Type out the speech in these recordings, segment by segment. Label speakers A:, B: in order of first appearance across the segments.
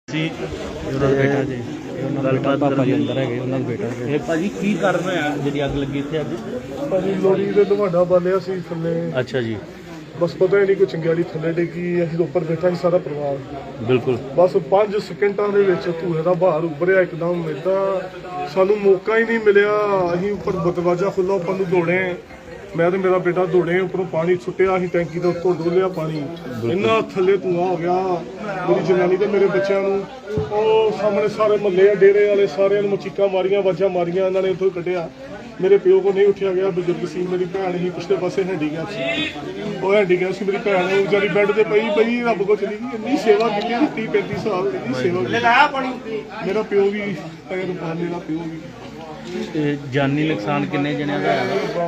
A: ਬੇਟਾ ਜੀ ਗੱਲਬਾਤ ਪਾਪਾ ਜੀ ਅੰਦਰ ਹੈਗੇ, ਉਹਨਾਂ ਦਾ ਬੇਟਾ। ਇਹ ਭਾਜੀ ਕੀ ਕਾਰਨ ਹੋਇਆ ਜਿਹੜੀ ਅੱਗ ਲੱਗੀ ਇੱਥੇ ਅੱਜ?
B: ਭਾਜੀ ਲੋਹੜੀ ਦੇ ਤੁਹਾਡਾ ਬਾਲਿਆ ਸੀ ਥੱਲੇ।
A: ਅੱਛਾ ਜੀ।
B: ਬਸ ਪਤਾ ਹੀ ਨਹੀਂ ਕੋਈ ਚੰਗਿਆੜੀ ਥੱਲੇ ਡਿੱਗੀ, ਅਸੀਂ ਉੱਪਰ ਬੈਠਾ ਸੀ ਸਾਰਾ ਪਰਿਵਾਰ।
A: ਬਿਲਕੁਲ।
B: ਬਸ 5 ਸਕਿੰਟਾਂ ਦੇ ਵਿੱਚ ਧੂਏ ਦਾ ਬਾਹਰ ਉੱਭਰਿਆ ਇੱਕਦਮ, ਇੱਦਾਂ ਸਾਨੂੰ ਮੌਕਾ ਹੀ ਨਹੀਂ ਮਿਲਿਆ। ਅਸੀਂ ਉੱਪਰ ਦਰਵਾਜ਼ਾ ਖੁੱਲ੍ਹਾ, ਉੱਪਰ ਨੂੰ ਦੌੜੇ, ਮੈਂ ਤੇ ਮੇਰਾ ਬੇਟਾ ਦੌੜੇ, ਉੱਪਰੋਂ ਪਾਣੀ ਸੁੱਟਿਆ, ਅਸੀਂ ਟੈਂਕੀ ਦੇ ਉੱਤੋਂ ਡੋਲਿਆ ਪਾਣੀ, ਇੰਨਾ ਥੱਲੇ ਧੂਆਂ ਹੋ ਗਿਆ। ਮੇਰੀ ਜਨਾਨੀ ਤੇ ਮੇਰੇ ਬੱਚਿਆਂ ਨੂੰ ਉਹ ਸਾਹਮਣੇ ਸਾਰੇ ਮਹੱਲੇ ਡੇਰੇ ਵਾਲੇ ਸਾਰਿਆਂ ਨੂੰ ਚੀਕਾਂ ਮਾਰੀਆਂ, ਆਵਾਜ਼ਾਂ ਮਾਰੀਆਂ, ਇਹਨਾਂ ਨੇ ਉੱਥੋਂ ਕੱਢਿਆ। ਮੇਰੇ ਪਿਓ ਕੋ ਨਹੀਂ ਉੱਠਿਆ ਗਿਆ, ਬਜ਼ੁਰਗ ਸੀ, ਮੇਰੀ ਭੈਣ ਹੀ ਪਿਛਲੇ ਪਾਸੇ ਹੈਂਡੀਕੈਪ ਸੀ, ਉਹ ਹੈਂਡੀਕੈਪ ਸੀ। ਮੇਰੀ ਭੈਣ ਵਿਚਾਰੀ ਬੈੱਡ ਤੇ ਪਈ ਰੱਬ ਕੋ ਚਲੀ ਗਈ। ਇੰਨੀ ਸੇਵਾ ਕੀਤੀ 30-35 ਸਾਲ, ਇੰਨੀ ਸੇਵਾ ਕੀਤੀ। ਮੇਰਾ ਪਿਓ ਵੀ ਮੇਰਾ ਪਿਓ ਵੀ।
A: ਤੇ ਜਾਨੀ ਨੁਕਸਾਨ ਕਿੰਨੇ ਜਣਿਆਂ ਦਾ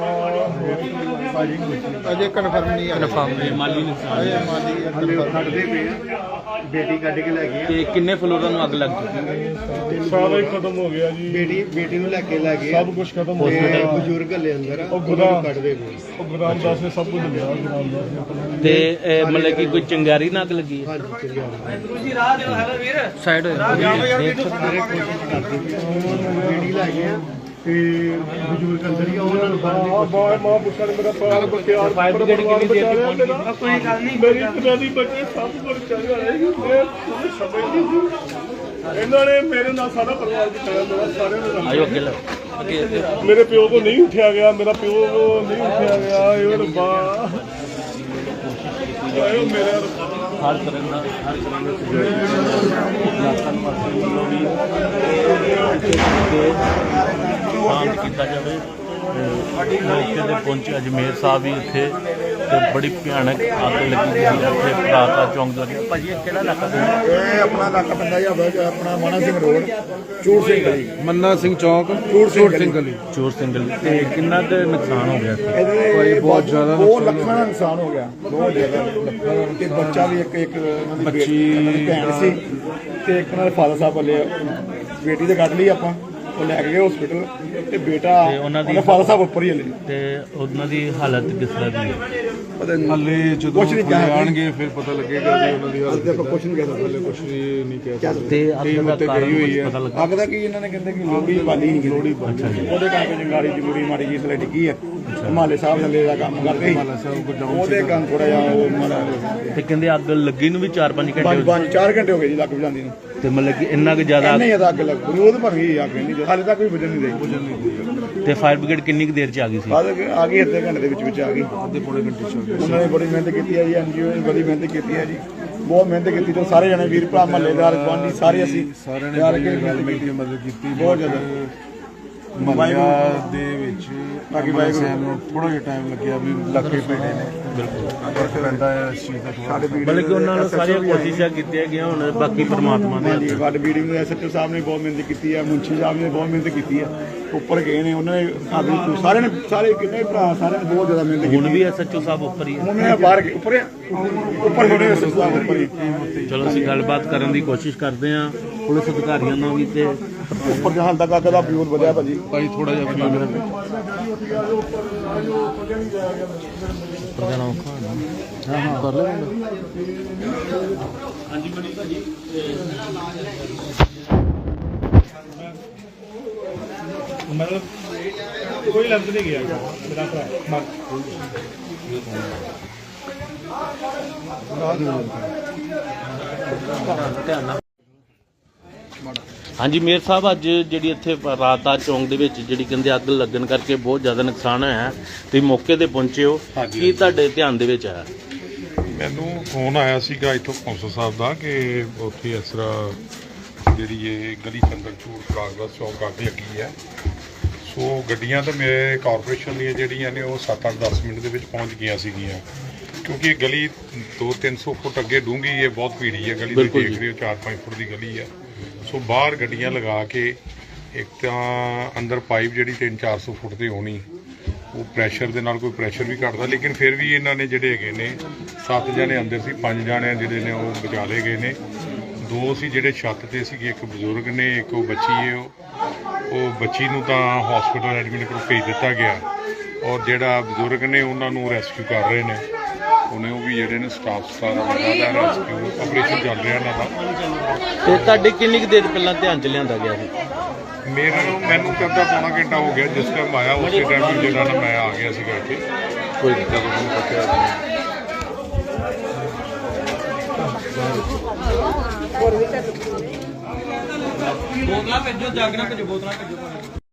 C: ਅਜੇ ਕਨਫਰਮ ਨਹੀਂ।
A: ਮਾਲੀ ਨੁਕਸਾਨ
C: ਕੱਢਦੇ ਪਏ ਆ, ਬੇਟੀ ਕੱਢ ਕੇ ਲੈ ਗਏ।
A: ਤੇ ਕਿੰਨੇ ਫਲੋਰਾਂ ਨੂੰ ਅੱਗ ਲੱਗ ਗਈ?
B: ਸਾਰਾ ਹੀ ਖਤਮ ਹੋ ਗਿਆ ਜੀ।
C: ਬੇਟੀ ਨੂੰ ਲੈ ਕੇ ਲੈ ਗਏ,
B: ਸਭ ਕੁਝ ਖਤਮ ਹੋ ਗਿਆ।
C: ਬਜ਼ੁਰਗ ਹਲੇ ਅੰਦਰ
B: ਉਹ ਕੱਢਦੇ ਪਏ, ਉਹ ਗੁਰਾਮ ਦਾਸ ਨੇ ਸਭ ਕੁਝ ਲਿਆ। ਗੁਰਾਮ ਦਾਸ ਨੇ
A: ਤੇ ਮਤਲਬ ਕਿ ਕੋਈ ਚੰਗਾਰੀ ਨਾਲ ਅੱਗ ਲੱਗੀ ਹੈ? ਸਾਈਡ
C: ਬੇਟੀ ਲੈ ਗਏ ਤੇ ਬਜ਼ੁਰਗ ਅੰਦਰ ਹੀ ਉਹਨਾਂ ਨੂੰ
B: ਮਾਂ ਪੁੱਛਣ ਮੇਰਾ ਪ੍ਰਾਣ ਬਚਿਆ।
A: ਫਾਇਰ ਬ੍ਰਿਗੇਡ ਕਿੰਨੀ ਦੇਰ ਦੀ ਪਹੁੰਚ ਗਈ?
B: ਕੋਈ ਗੱਲ ਨਹੀਂ, ਮੇਰੀ ਜਨਾਨੀ ਬੱਚੇ ਸਭ ਕੁਝ ਚੱਲ ਰਿਹਾ ਹੈ। ਸਮਝ ਨਹੀਂ, ਇਹਨਾਂ ਨੇ ਮੇਰੇ ਨਾਲ ਸਾਰਾ ਪਰਿਵਾਰ ਬਚਾਇਆ, ਮੇਰਾ ਸਾਰਿਆਂ ਨੇ।
A: ਆਇਓ ਅੱਗੇ
B: ਮੇਰੇ ਪਿਓ ਕੋ ਨਹੀਂ ਉੱਠਿਆ ਗਿਆ, ਮੇਰਾ ਪਿਓ ਨਹੀਂ ਉੱਠਿਆ ਗਿਆ। ਇਹ ਰੱਬਾ, ਆਇਓ ਮੇਰੇ
A: ਹਰ ਤਰ੍ਹਾਂ ਦਾ ਸ਼ਾਂਤ ਕੀਤਾ ਜਾਵੇ। ਮੌਕੇ ਤੇ ਪਹੁੰਚੇ ਅਜਮੇਰ ਸਾਹਿਬ ਵੀ ਇੱਥੇ, ਤੇ ਬੜੀ ਭਿਆਨਕ ਅੱਗ ਲੱਗੀ ਹੋਈ ਹੈ ਇੱਥੇ ਰਾਤਾ ਚੌਂਕ ਦਾ। ਭਾਜੀ ਇਹ ਕਿਹੜਾ ਇਲਾਕਾ ਪੈਂਦਾ?
C: ਇਹ ਆਪਣਾ ਇਲਾਕਾ ਪੈਂਦਾ ਜੀ, ਆਪਣਾ ਮਾਨਾ ਸਿੰਘ ਰੋਡ, ਚੂੜ ਸਿੰਘ ਗਲੀ,
D: ਮੰਨਾ ਸਿੰਘ ਚੌਕ,
C: ਚੂੜ ਸਿੰਘ ਗਲੀ।
A: ਚੋਰ ਸਿੰਘਲ। ਤੇ ਕਿੰਨਾ ਕੁ ਨੁਕਸਾਨ ਹੋ ਗਿਆ?
C: ਇਹਦੇ
D: ਬਹੁਤ ਜ਼ਿਆਦਾ
C: 2 ਲੱਖਾਂ ਦਾ ਨੁਕਸਾਨ ਹੋ ਗਿਆ, ਬਹੁਤ ਜ਼ਿਆਦਾ ਲੱਖਾਂ। ਤੇ ਬੱਚਾ ਵੀ ਇੱਕ ਬੱਚੀ ਭੈਣ ਸੀ, ਤੇ ਇੱਕ ਨਾਲ ਫਾਦਰ ਸਾਹਿਬ ਵਾਲੇ ਬੇਟੀ ਤੇ ਕੱਢ ਲਈ ਆਪਾਂ, ਉਹ ਲੈ ਕੇ ਗਏ ਹਸਪੀਟਲ। ਤੇ ਬੇਟਾ
A: ਉਹਨਾਂ ਦੀ
C: ਫਾਦਰ ਸਾਹਿਬ ਉੱਪਰ ਹੀ ਹਲੇ।
A: ਤੇ ਉਹਨਾਂ ਦੀ ਹਾਲਤ ਕਿਸ ਤਰ੍ਹਾਂ ਦੀ ਹੈ?
D: ਹਲੇ ਜਦੋਂ ਆਣਗੇ ਫਿਰ ਪਤਾ ਲੱਗੇਗਾ ਵੀ ਉਹਨਾਂ ਦੀ ਹਾਲਤ
C: ਆਪਾਂ ਕੁਛ ਨਹੀਂ ਕਹਿ ਸਕਦੇ,
D: ਕੁਛ ਨਹੀਂ ਕਹਿ ਸਕਦੇ।
A: ਤੇ ਅੱਗ ਦਾ ਕਾਰਨ
D: ਹੋਈ ਹੈ।
A: ਪਤਾ ਲੱਗਾ?
C: ਅੱਗ ਦਾ ਕੀ ਇਹਨਾਂ ਨੇ ਕਹਿੰਦੇ ਕਿ ਲੋਹੜੀ ਬਾਲੀ ਨਹੀਂ, ਲੋਹੜੀ ਉਹਦੇ ਕਰਕੇ ਜੰਗਾਰੀ ਜਮੂਰੀ ਮਾੜੀ ਜੀ ਥੱਲੇ ਡਿੱਗੀ ਹੈ। ਹਿਮਾਲੇ ਸਾਹਿਬ ਥੱਲੇ ਦਾ ਕੰਮ ਕਰਦੇ ਸੀ, ਉਹਦੇ ਕਾਰਨ ਥੋੜਾ ਜਿਹਾ ਉਹ ਮਾੜਾ।
A: ਤੇ ਕਹਿੰਦੇ ਅੱਗ ਲੱਗੀ ਨੂੰ ਵੀ 4-5 ਘੰਟੇ
C: 4 ਘੰਟੇ ਹੋ ਗਏ ਜੀ ਲੱਗ ਜਾਂਦੀ ਨੂੰ।
A: ਤੇ ਮਤਲਬ ਕਿ ਇੰਨਾ ਕੁ ਜ਼ਿਆਦਾ
C: ਨਹੀਂ ਜ਼ਿਆਦਾ ਅੱਗ ਲੱਗ ਪਈ, ਉਹਦੇ ਪਰ ਵੀ ਅੱਗ ਨਹੀਂ, ਹਾਲੇ ਤੱਕ ਵੀ ਬੁਝਣ ਨਹੀਂ ਰਹੀ।
A: ਤੇ ਫਾਇਰ ਬ੍ਰਿਗੇਡ ਕਿੰਨੀ ਕੁ ਦੇਰ ਚ ਆ ਗਈ ਸੀ?
C: ਆ ਗਈ, ਅੱਧੇ ਘੰਟੇ ਦੇ ਵਿੱਚ ਆ ਗਈ।
D: ਅੱਧੇ ਪੌਣੇ ਘੰਟੇ ਚ
C: ਉਹਨਾਂ ਨੇ ਬੜੀ ਮਿਹਨਤ ਕੀਤੀ ਹੈ ਜੀ, ਐਨਜੀਓ ਨੇ ਬੜੀ ਮਿਹਨਤ ਕੀਤੀ ਹੈ ਜੀ, ਬਹੁਤ ਮਿਹਨਤ ਕੀਤੀ। ਤੇ ਸਾਰੇ ਜਣੇ ਵੀਰ ਭਰਾ ਮਹੱਲੇਦਾਰ ਗੁਆਂਢੀ ਸਾਰੇ ਅਸੀਂ
D: ਸਾਰਿਆਂ ਨੇ ਮਦਦ ਕੀਤੀ
C: ਬਹੁਤ ਜ਼ਿਆਦਾ।
D: ਮਹੱਲਾ ਦੇ ਵਿੱਚ
C: ਬਾਕੀ
D: ਸਾਹਿਬ ਨੂੰ ਥੋੜਾ ਜਿਹਾ ਟਾਈਮ ਲੱਗਿਆ ਵੀ ਲੱਗੇ ਪਏ ਨੇ। ਬਿਲਕੁਲ ਫਰਕ ਪੈਂਦਾ ਹੈ ਇਸ ਚੀਜ਼ ਦਾ ਥੋੜਾ।
A: ਮਤਲਬ ਕਿ ਉਹਨਾਂ ਨੂੰ ਸਾਰੀਆਂ ਕੋਸ਼ਿਸ਼ਾਂ ਕੀਤੀਆਂ ਗਈਆਂ, ਹੁਣ ਬਾਕੀ ਪਰਮਾਤਮਾ ਦੇ ਹੱਥ।
C: ਵੱਡ ਬੀਡਿੰਗ ਐਸਐਚਓ ਸਾਹਿਬ ਨੇ ਬਹੁਤ ਮਿਹਨਤ ਕੀਤੀ ਹੈ, ਮੁੰਸ਼ੀ ਸਾਹਿਬ ਨੇ ਬਹੁਤ ਮਿਹਨਤ ਕੀਤੀ ਹੈ, ਉੱਪਰ ਗਏ ਨੇ ਉਹਨਾਂ ਨੇ ਸਾਰਿਆਂ ਨੇ, ਸਾਰੇ ਕਿੰਨੇ ਭਰਾ ਸਾਰਿਆਂ ਨੇ ਬਹੁਤ ਜ਼ਿਆਦਾ ਮਿਹਨਤ ਕੀਤੀ।
A: ਹੁਣ ਵੀ ਐਸਐਚਓ ਸਾਹਿਬ ਉੱਪਰ ਹੀ ਹੈ?
C: ਉਹਨਾਂ ਨੇ ਬਾਹਰ ਉੱਪਰ ਥੋੜੇ ਐਸਐਚਓ ਸਾਹਿਬ ਉੱਪਰ ਹੀ।
A: ਚਲੋ ਅਸੀਂ ਗੱਲਬਾਤ ਕਰਨ ਦੀ ਕੋਸ਼ਿਸ਼ ਕਰਦੇ ਹਾਂ ਪੁਲਿਸ ਅਧਿਕਾਰੀਆਂ ਨਾਲ ਵੀ। ਤੇ
C: ਉੱਪਰ ਜਹਾਂ ਤੱਕ ਅੱਗ ਦਾ ਫਿਊਲ ਵਧਿਆ ਭਾਜੀ।
D: ਭਾਈ ਥੋੜਾ ਜਿਹਾ
A: ਜਾਣਾ ਔਖਾ ਹੈ ਨਾ।
D: ਹਾਂ ਕਰ ਲੈ।
A: ਹਾਂਜੀ ਮਨੀ ਭਾਜੀ,
B: ਮਤਲਬ ਕੋਈ ਲਫ਼ਜ਼ ਨਹੀਂ ਗਿਆ ਮੇਰਾ ਭਰਾ।
A: ਹਾਂਜੀ ਮੇਅਰ ਸਾਹਿਬ, ਅੱਜ ਜਿਹੜੀ ਇੱਥੇ ਰਾਤਾ ਚੌਂਕ ਦੇ ਵਿੱਚ ਜਿਹੜੀ ਕਹਿੰਦੇ ਅੱਗ ਲੱਗਣ ਕਰਕੇ ਬਹੁਤ ਜ਼ਿਆਦਾ ਨੁਕਸਾਨ ਹੋਇਆ, ਤੁਸੀਂ ਮੌਕੇ ਤੇ ਪਹੁੰਚੇ ਹੋ, ਕੀ ਤੁਹਾਡੇ ਧਿਆਨ ਦੇ ਵਿੱਚ ਆਇਆ?
E: ਮੈਨੂੰ ਫੋਨ ਆਇਆ ਸੀਗਾ ਇੱਥੋਂ ਕੌਂਸਲ ਸਾਹਿਬ ਦਾ ਕਿ ਉੱਥੇ ਇਸ ਤਰ੍ਹਾਂ ਜਿਹੜੀ ਇਹ ਗਲੀ ਚੰਦਰ ਚੂੜ ਕਾਗਜ਼ ਚੌਂਕ ਅੱਗ ਲੱਗੀ ਹੈ। ਸੋ ਗੱਡੀਆਂ ਤਾਂ ਮੇਰੇ ਕਾਰਪੋਰੇਸ਼ਨ ਦੀਆਂ ਜਿਹੜੀਆਂ ਨੇ ਉਹ 7-8-10 ਮਿੰਟ ਦੇ ਵਿੱਚ ਪਹੁੰਚ ਗਈਆਂ ਸੀਗੀਆਂ, ਕਿਉਂਕਿ ਇਹ ਗਲੀ 200-300 ਫੁੱਟ ਅੱਗੇ ਡੂੰਘੀ ਹੈ, ਬਹੁਤ ਭੀੜੀ ਹੈ ਗਲੀ। ਦੇਖ ਰਹੇ ਹੋ 4-5 ਫੁੱਟ ਦੀ ਗਲੀ ਹੈ। ਸੋ ਬਾਹਰ ਗੱਡੀਆਂ ਲਗਾ ਕੇ, ਇੱਕ ਤਾਂ ਅੰਦਰ ਪਾਈਪ ਜਿਹੜੀ 300-400 ਫੁੱਟ ਦੀ ਹੋਣੀ, ਉਹ ਪ੍ਰੈਸ਼ਰ ਦੇ ਨਾਲ ਕੋਈ ਪ੍ਰੈਸ਼ਰ ਵੀ ਘਟਦਾ, ਲੇਕਿਨ ਫਿਰ ਵੀ ਇਹਨਾਂ ਨੇ ਜਿਹੜੇ ਹੈਗੇ ਨੇ 7 ਜਣੇ ਅੰਦਰ ਸੀ, 5 ਜਣੇ ਜਿਹੜੇ ਨੇ ਉਹ ਬਚਾ ਲਏ ਗਏ ਨੇ। 2 ਸੀ ਜਿਹੜੇ ਛੱਤ ਤੇ ਸੀਗੇ, ਇੱਕ ਬਜ਼ੁਰਗ ਨੇ, ਇੱਕ ਉਹ ਬੱਚੀ ਹੈ। ਉਹ ਬੱਚੀ ਨੂੰ ਤਾਂ ਹਸਪੀਟਲ ਐਡਮਿਟ ਕਰਕੇ ਭੇਜ ਦਿੱਤਾ ਗਿਆ, ਔਰ ਜਿਹੜਾ ਬਜ਼ੁਰਗ ਨੇ ਉਹਨਾਂ ਨੂੰ ਰੈਸਕਿਊ ਕਰ ਰਹੇ ਨੇ। ਉਹਨੇ ਉਹ ਵੀ ਜਿਹੜੇ ਨੇ ਸਟਾਫ ਸਾਰਾ ਲੱਗਾ ਦਾ ਰੈਸਕਿਊ ਆਪਰੇਸ਼ਨ ਚੱਲ ਰਿਹਾ ਇਹਨਾਂ ਦਾ।
A: ਤੇ ਤੁਹਾਡੇ ਕਿੰਨੀ ਕੁ ਦੇਰ ਪਹਿਲਾਂ ਧਿਆਨ ਚ ਲਿਆਂਦਾ ਗਿਆ ਸੀ?
E: ਮੈਨੂੰ ਕਹਿੰਦਾ ਪੌਣਾ ਘੰਟਾ ਹੋ ਗਿਆ ਜਿਸ ਟਾਈਮ ਆਇਆ ਉਸੇ ਟਾਈਮ ਜਿਹੜਾ ਨਾ ਮੈਂ ਆ ਗਿਆ ਸੀਗਾ ਇੱਥੇ।
A: ਕੋਈ
E: ਜਦੋਂ ਮੈਨੂੰ ਪੁੱਛਿਆ
F: ਬੋਤਲਾਂ ਭੇਜੋ, ਜਾਗਣਾ ਭੇਜੋ, ਬੋਤਲਾਂ ਭੇਜੋ।